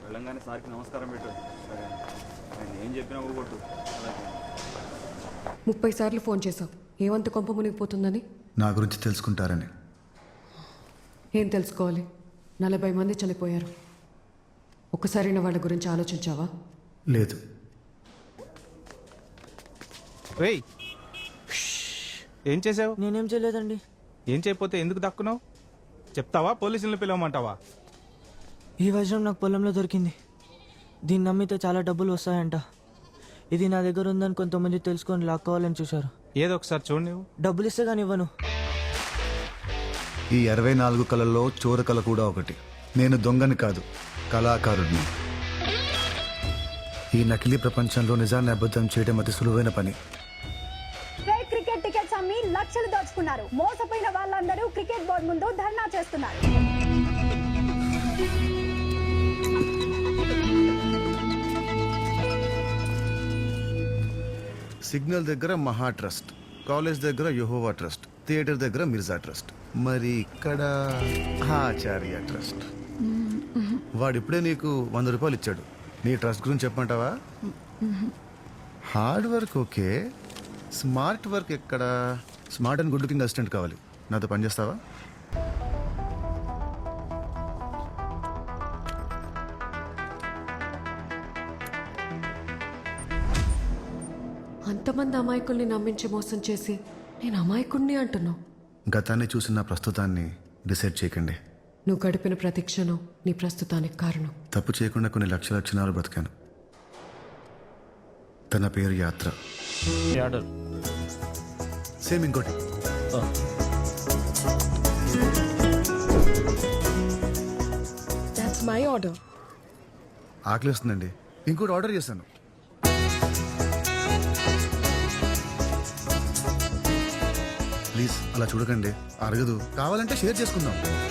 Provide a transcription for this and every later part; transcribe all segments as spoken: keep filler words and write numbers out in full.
వెళ్ళంగానే సార్కి నమస్కారం పెట్టు. సరే ఆయన ఏం చెప్పినా ఊగొట్టు. ముప్పై సార్లు ఫోన్ చేశావు, ఏమంత కొంప మునిగిపోతుందని? నా గురించి తెలుసుకుంటారని. ఏం తెలుసుకోవాలి? నలభై మంది చనిపోయారు. ఒక్కసారైనా వాళ్ళ గురించి ఆలోచించావా? లేదు. రేయ్, ఏం చేసావు? నేనేం చేయలేదండి. ఏం చేయకపోతే ఎందుకు దక్కున్నావు? చెప్తావా పోలీసులను పిలవమంటావా? ఈ వజ్రం నాకు పొలంలో దొరికింది. దీన్ని నమ్మితే చాలా డబ్బులు వస్తాయంట. ఇది నా దగ్గర ఉందని కొంతమంది తెలుసుకొని లాక్కోవాలని చూశారు. ఏదో ఒకసారి చూడు. నువ్వు డబ్బులు ఇస్తే కానీ ఇవ్వను. ఈ అరవై నాలుగు కళల్లో చోర కళ కూడా ఒకటి. నేను దొంగని కాదు, కళాకారుడిని. ఈ నకిలీ ప్రపంచంలో నిజాన్ని అబద్ధం చేయడం అతి సులువైన పని. ఫేక్ క్రికెట్ టికెట్స్ అమ్మి లక్షలు దోచుకున్నారు. మోసపోయిన వాళ్ళందరూ క్రికెట్ బోర్డు ముందు ధర్నా చేస్తున్నారు. సిగ్నల్ దగ్గర మహా ట్రస్ట్, కాలేజ్ దగ్గర యెహోవా ట్రస్ట్, థియేటర్ దగ్గర మిర్జా ట్రస్ట్, మరి ఇక్కడ ఆచార్య ట్రస్ట్. వాడిప్పుడే నీకు వంద రూపాయలు ఇచ్చాడు. నీ ట్రస్ట్ గురించి చెప్పమంటావా? Hard work okay, smart work ఎక్కడ? Smart and good looking assistant కావాలి. నాతో పనిచేస్తావా? అంతమంది అమాయకుల్ని నమ్మించి మోసం చేసి నేను అమాయకుడిని అంటున్నావు. గతాన్ని చూసిన ప్రస్తుతాన్ని డిసైడ్ చేయకండి. నువ్వు గడిపిన ప్రతి క్షణం నీ ప్రస్తుతానికి కారణం. తప్పు చేయకుండా కొన్ని లక్షల క్షణాలు బ్రతికాను. తన పేరు యాత్ర. సేమ్ ఇంకోటి. That's my order. ఆకలి వస్తుందండి, ఇంకోటి ఆర్డర్ చేశాను. ప్లీజ్ అలా చూడకండి, అరగదు. కావాలంటే షేర్ చేసుకుందాం.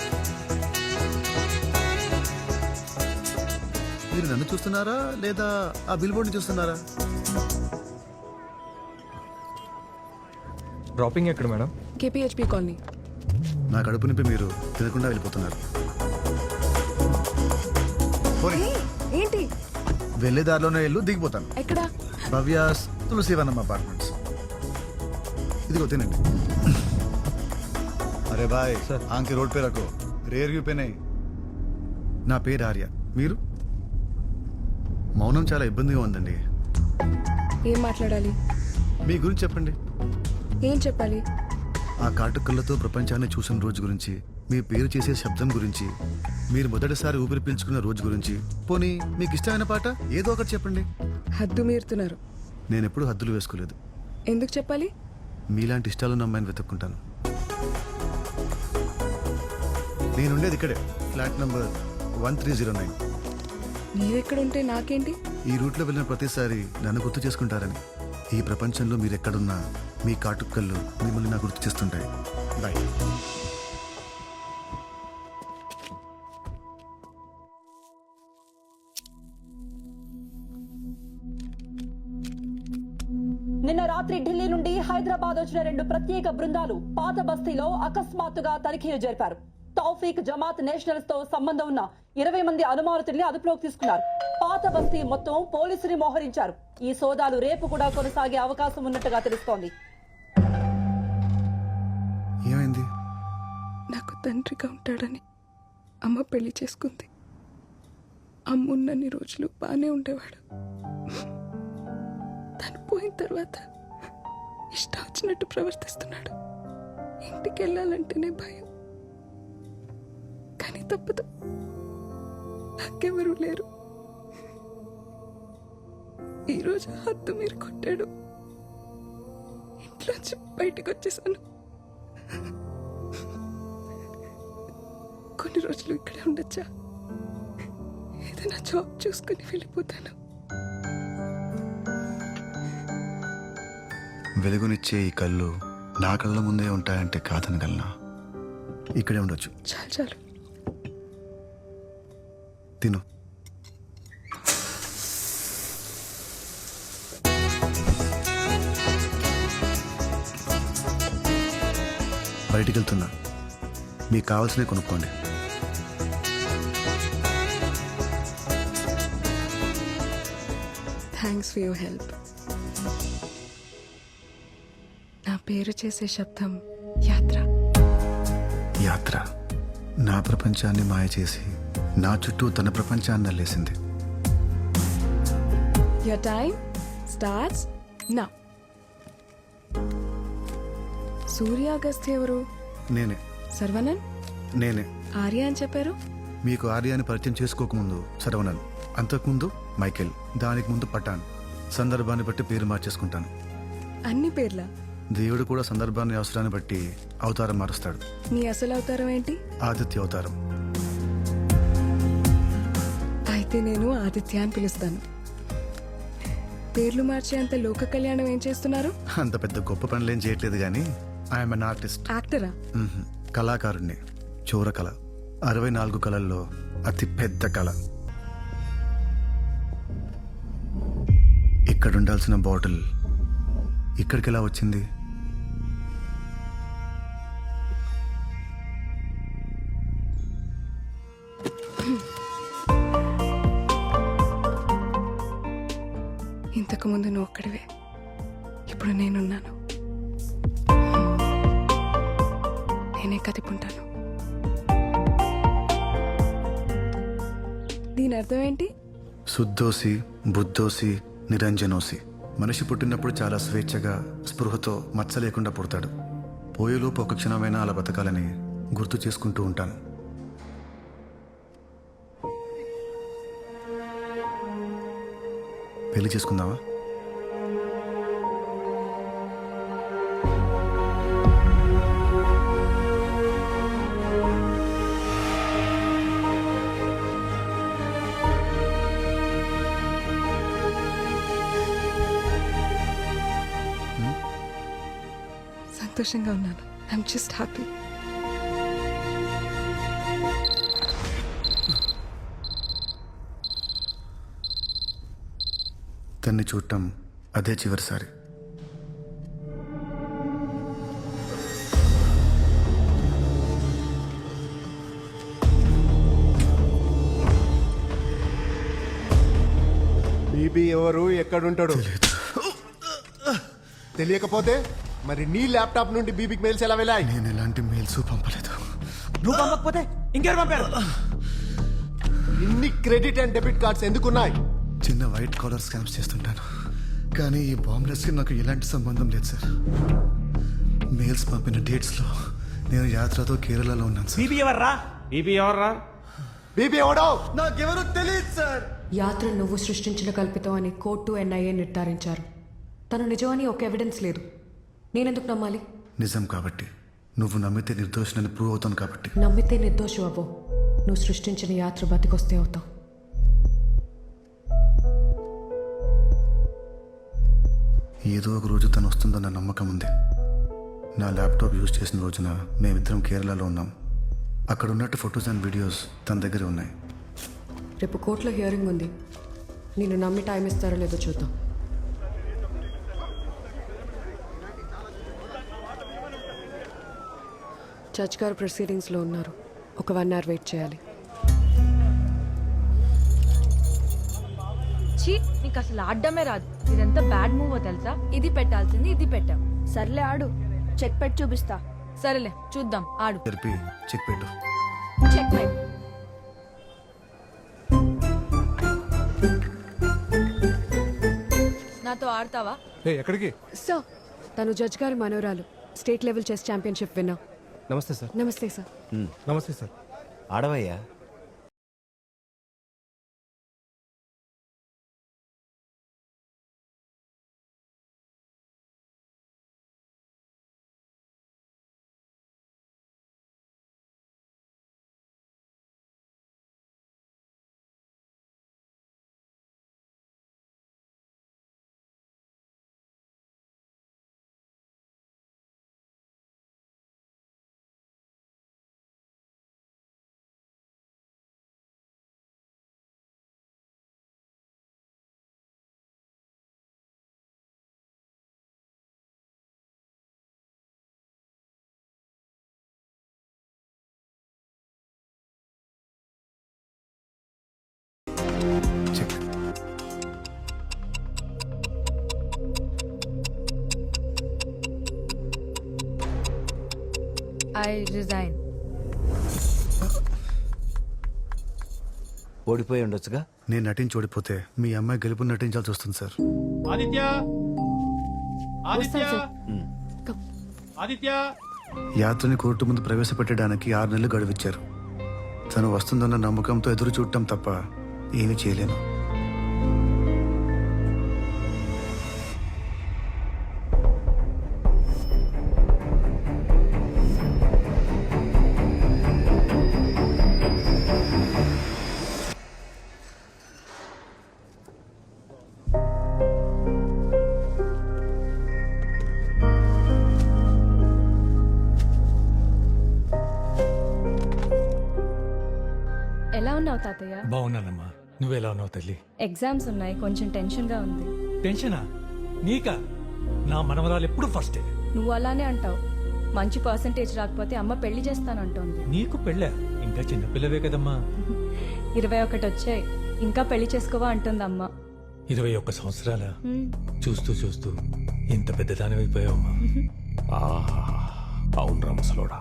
మీరు నన్ను చూస్తున్నారా లేదా ఆ బిల్ బోర్డ్ని చూస్తున్నారా? డ్రాపింగ్ ఎక్కడ మేడం? KPHP colony. నా కడుపు నింపి మీరు తినకుండా వెళ్ళిపోతున్నారు. పోనీ. ఏంటి? వెళ్ళే దారిలోనే వెళ్ళు, దిగిపోతాను. ఎక్కడ? భవ్యాస్ తులసివనం అపార్ట్మెంట్స్. ఇదిగో తినండి. అరే బాయ్, ఆంకి రోడ్ పే రకో, రేర్ వ్యూ పే నై. నా పేరు ఆర్య. మీరు? మౌనం చాలా ఇబ్బందిగా ఉందండి. ఏం మాట్లాడాలి? మీ గురించి చెప్పండి. ఏం చెప్పాలి? ఆ కాటుకళ్ళతో ప్రపంచాన్ని చూసిన రోజు గురించి, మీ పేరు చేసే శబ్దం గురించి, మీరు మొదటిసారి ఊపిరి పీల్చుకున్న రోజు గురించి. పోనీ మీకు ఇష్టమైన పాట ఏదో ఒకటి చెప్పండి. హద్దు మీరుతున్నారు. నేను ఎప్పుడూ హద్దులు వేసుకోలేదు. ఎందుకు చెప్పాలి? మీలాంటి ఇష్టాలను అమ్మాయిని వెతుక్కుంటాను. నేనుండేది ఇక్కడే, flat number one three zero nine. నీవెక్కడుంటే నాకేంటి? ఈ రూట్లో వెళ్ళిన ప్రతిసారి నన్ను గుర్తు చేసుకుంటారని. ఈ ప్రపంచంలో మీరు ఎక్కడున్నా మీ కాటుకళ్ళు మిమ్మల్ని నాకు గుర్తు చేస్తుంటాయి. బాయ్. నిన్న రాత్రి ఢిల్లీ నుండి హైదరాబాద్ వచ్చిన రెండు ప్రత్యేక బృందాలు పాత బస్తీలో అకస్మాత్తుగా తనిఖీలు జరిపారు. తౌఫీక్ జమాత్ నేషనల్స్ తో సంబంధం ఉన్న ఇరవై మంది అనుమానితుల్ని అదుపులోకి తీసుకున్నారు. పాత బస్తీ మొత్తం పోలీసుని మోహరించారు. ఈ సోదాలు రేపు కూడా కొనసాగే అవకాశం ఉన్నట్టుగా తెలుస్తోంది. ఏమైంది? నాకు తండ్రిగా ఉంటాడని అమ్మ పెళ్లి చేసుకుంది. అమ్మున్నన్ని రోజులు బాగానే ఉండేవాడు. తను పోయిన తర్వాత ఇష్టం వచ్చినట్టు ప్రవర్తిస్తున్నాడు. ఇంటికి వెళ్ళాలంటేనే భయం. కానీ తప్పదు, నాకెవరూ లేరు. ఈరోజు హద్దు మీరు కొట్టాడు. ఇంట్లోంచి బయటకు వచ్చేసాను. కొన్ని రోజులు ఇక్కడే ఉండొచ్చా? ఏదైనా జాబ్ చూసుకుని వెళ్ళిపోతాను. వెలుగునిచ్చే ఈ కళ్ళు నా కళ్ళ ముందే ఉంటాయంటే కాదనగలనా? ఇక్కడే ఉండొచ్చు. చాలు చాలు, తిను. బయటికి వెళ్తున్నా, మీకు కావాల్సినవి కొనుక్కోండి. Thanks for your help. నా పేరు చేసే శబ్దం యాత్ర. యాత్ర నా ప్రపంచాన్ని మాయ చేసి నా చుట్టూ తన ప్రపంచాన్ని అల్లేసింది. Your time starts now. సూర్య అగస్త్య ఎవరు? నేనే సర్వనన్, నేనే ఆర్య అని చెప్పారు. మీకు ఆర్యాన్ని పరిచయం చేసుకోకముందు శరవణన్, అంతకుముందు మైకేల్, దానికి ముందు పఠాన్. సందర్భాన్ని బట్టి పేరు మార్చేసుకుంటాను. అన్ని పేర్ల. దేవుడు కూడా సందర్భాన్ని అవసరాన్ని బట్టి అవతారం మారుస్తాడు. నీ అసలు అవతారం ఏంటి? ఆదిత్య అవతారం. అయితే నేను ఆదిత్య అని పిలుస్తాను. పేర్లు మార్చేంత లోక కళ్యాణం ఏం చేస్తున్నారు? అంత పెద్ద గొప్ప పనులేం చేయట్లేదు కానీ ఐఎమ్ అన్ ఆర్టిస్ట్. యాక్టరా? కళాకారుణ్ణి. చోర కళ, అరవై నాలుగు కళల్లో అతి పెద్ద కళ. ఇక్కడ ఉండాల్సిన బాటిల్ ఇక్కడికి ఎలా వచ్చింది? ఇంతకు ముందు నువ్వు ఒక్కడివే, ఇప్పుడు నేనున్నాను. నేనే కదిపుంటాను. దీని అర్థం ఏంటి? శుద్ధోసి, బుద్ధోసి, నిరంజనోసి. మనిషి పుట్టినప్పుడు చాలా స్వేచ్ఛగా, స్పృహతో, మచ్చ లేకుండా పుడతాడు. పోయేలోపు ఒక క్షణమైనా అలా బతకాలని గుర్తు చేసుకుంటూ ఉంటాను. పెళ్లి చేసుకుందామా? సంతోషంగా ఉన్నాను. I'm just happy. తన్ని చూడటం అదే చివరిసారి. బీబీ ఎవరు, ఎక్కడుంటాడు తెలియకపోతే మరి నీ ల్యాప్టాప్ నుండి బీబీకి మెయిల్స్ ఎలా వెళ్ళాయి? నేను ఎలాంటి మెయిల్స్ పంపలేదు. నువ్వు పంపకపోతే ఇంకెవరు పంపారు? ఇన్ని క్రెడిట్ అండ్ డెబిట్ కార్డ్స్ ఎందుకున్నాయి? చిన్న వైట్ కాలర్ స్కామ్స్ చేస్తుంటాను, కానీ ఈ బాంబ్లెస్కి నాకు ఎలాంటి సంబంధం లేదు సార్. మెయిల్స్ పంపిన డేట్స్లో నేను యాత్రతో కేరళలో ఉన్నాను సార్. బీబీ ఎవర్రా? బీబీ ఎవర్రా? బీబీ ఎవడో నాకెవరో తెలియదు సార్. యాత్ర నువ్వు సృష్టించిన కల్పితం అని కోర్టు ఎన్ఐఏ నిర్ధారించారు. తను నిజమని ఒక ఎవిడెన్స్ లేదు. నేనెందుకు నమ్మాలి? నిజం కాబట్టి. నువ్వు నమ్మితే నిర్దోషులని ప్రూవ్ అవుతాను కాబట్టి. నమ్మితే నిర్దోషు అవ్వవు. నువ్వు సృష్టించిన యాత్ర బతికొస్తే అవుతావు. ఏదో ఒక రోజు తను వస్తుందన్న నమ్మకం ఉంది. నా ల్యాప్టాప్ యూజ్ చేసిన రోజున మేమిద్దరం కేరళలో ఉన్నాం. అక్కడ ఉన్నట్టు ఫొటోస్ అండ్ వీడియోస్ తన దగ్గర ఉన్నాయి. రేపు కోర్టులో హియరింగ్ ఉంది. నేను నమ్మి టైం ఇస్తారో లేదో చూద్దాం. జడ్జ్ గారు ప్రొసీడింగ్స్లో ఉన్నారు. ఒక వన్ అవర్ వెయిట్ చేయాలి. ఛీ, నీకు అసలు ఆడడమే రాదు. ఇదంతా బ్యాడ్ మూవ్ తెలుసా? ఇది పెట్టాల్సింది ఇది పెట్టాం. సర్లే ఆడు, చెక్ పెట్టి చూపిస్తా. సరేలే చూద్దాం, ఆడు. జరిపి చెక్ పెట్టు. చెక్ పెట్. నాతో ఆడతావా? ఎక్కడికి? సార్, తను జడ్జ్ గారి మనోరాలు, స్టేట్ లెవెల్ చెస్ ఛాంపియన్షిప్ విన్నా. నమస్తే సార్. నమస్తే సార్. నమస్తే సార్. ఆడవయ్యా. I resign. ఓడిపోయి ఉండొచ్చుగా. నేను నటించి ఓడిపోతే మీ అమ్మాయి గెలుపు నటించాల్సి వస్తుంది సార్. ఆదిత్య ఆదిత్య ఆదిత్య యాత్రని కోర్టు ముందు ప్రవేశపెట్టడానికి ఆరు నెలలు గడువిచ్చారు. తను వస్తుందన్న నమ్మకంతో ఎదురు చూడటం తప్ప ఏమీ చేయలేను. ఎలా ఉన్నావు తాతయ్య? బాగున్నానమ్మా, నువ్వెలా ఉన్నావు తల్లి? ఎగ్జామ్స్ ఉన్నాయి, కొంచెం టెన్షన్ గా ఉంది. టెన్షనా? నీకా? నా మనవరాలు ఎప్పుడు ఫస్టే. నువ్వు అలానే అంటావు. మంచి పర్సంటేజ్ రాకపోతే అమ్మ పెళ్లి చేస్తానంటోంది. నీకు పెళ్ళా? ఇంకా చిన్నపిల్లవే కదమ్మా. ఇరవై ఒకటి వచ్చాయి, ఇంకా పెళ్లి చేసుకోవా అంటుంది అమ్మ. ఇరవై ఒక్క సంవత్సరాల హ్మ్. చూస్తూ చూస్తూ ఇంత పెద్దదానివైపోయావమ్మా. అవును రామసలోడా,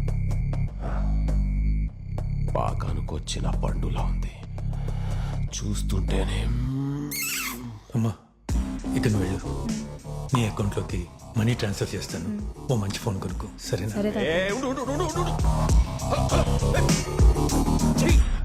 పాకానుకొచ్చిన పండులా ఉంది చూస్తుంటేనే. అమ్మా ఇక నువ్వు వెళ్ళు. నీ అకౌంట్లోకి మనీ ట్రాన్స్ఫర్ చేస్తాను. ఓ మంచి ఫోన్ కొనుక్కో, సరేనా? సరే తాతయ్య. ఏ, ఉండు, ఉండు, ఉండు, ఉండు, ఉండు. Hello, hello. ఏయ్, చెయ్.